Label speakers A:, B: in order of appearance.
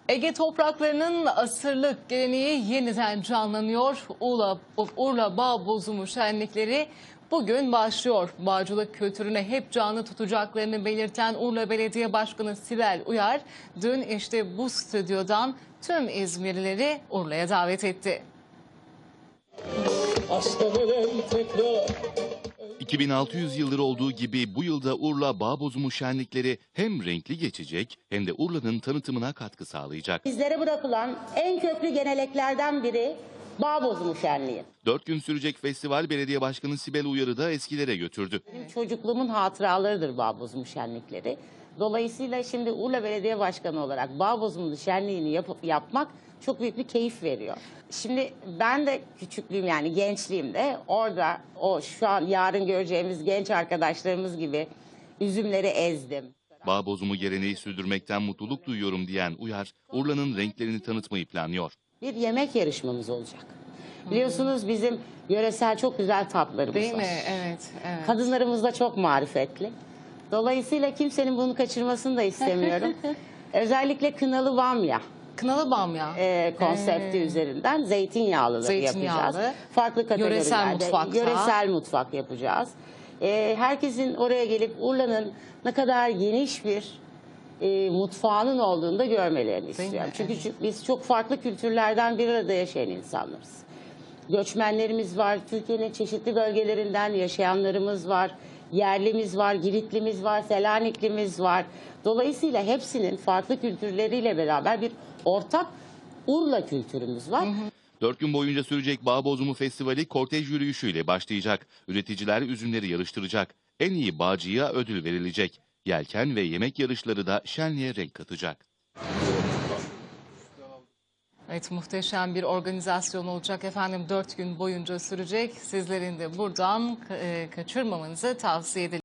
A: Ege topraklarının asırlık geleneği yeniden canlanıyor. Urla Bağ Bozumu şenlikleri bugün başlıyor. Bağcılık kültürüne hep canlı tutacaklarını belirten Urla Belediye Başkanı Sibel Uyar, dün işte bu stüdyodan tüm İzmirlileri Urla'ya davet etti.
B: 2600 yıldır olduğu gibi bu yılda Urla Bağ Bozumu şenlikleri hem renkli geçecek hem de Urla'nın tanıtımına katkı sağlayacak.
C: Bizlere bırakılan en köklü geleneklerden biri Bağ Bozumu Şenliği.
B: 4 gün sürecek festival belediye başkanı Sibel Uyar'ı da eskilere götürdü.
C: Benim çocukluğumun hatıralarıdır Bağ Bozumu Şenlikleri. Dolayısıyla şimdi Urla Belediye Başkanı olarak Bağ Bozumu Şenliği'ni yapmak çok büyük bir keyif veriyor. Şimdi ben de küçüklüğüm, yani gençliğimde orada şu an yarın göreceğimiz genç arkadaşlarımız gibi üzümleri ezdim.
B: Bağ bozumu geleneği sürdürmekten mutluluk duyuyorum diyen Uyar, Urla'nın renklerini tanıtmayı planlıyor.
C: Bir yemek yarışmamız olacak. Biliyorsunuz bizim yöresel çok güzel tatlarımız
A: Değil
C: var.
A: mi? Evet, evet.
C: Kadınlarımız da çok marifetli. Dolayısıyla kimsenin bunu kaçırmasını da istemiyorum. Özellikle kınalı bamya
A: Kınalı bamya.
C: konsepti üzerinden zeytinyağlıları yapacağız. Farklı kategorilerde yöresel mutfak yapacağız. Herkesin oraya gelip Urla'nın ne kadar geniş bir mutfağının olduğunu da görmelerini istiyorum. Çünkü biz çok farklı kültürlerden bir arada yaşayan insanlarız. Göçmenlerimiz var, Türkiye'nin çeşitli bölgelerinden yaşayanlarımız var, yerlimiz var, Giritlimiz var, Selaniklimiz var. Dolayısıyla hepsinin farklı kültürleriyle beraber bir ortak Urla kültürümüz var.
B: 4 gün boyunca sürecek Bağ Bozumu Festivali kortej yürüyüşüyle başlayacak. Üreticiler üzümleri yarıştıracak. En iyi bağcıya ödül verilecek. Yelken ve yemek yarışları da şenliğe renk katacak.
A: Evet, muhteşem bir organizasyon olacak efendim. 4 gün boyunca sürecek. Sizlerin de buradan kaçırmamanızı tavsiye edelim.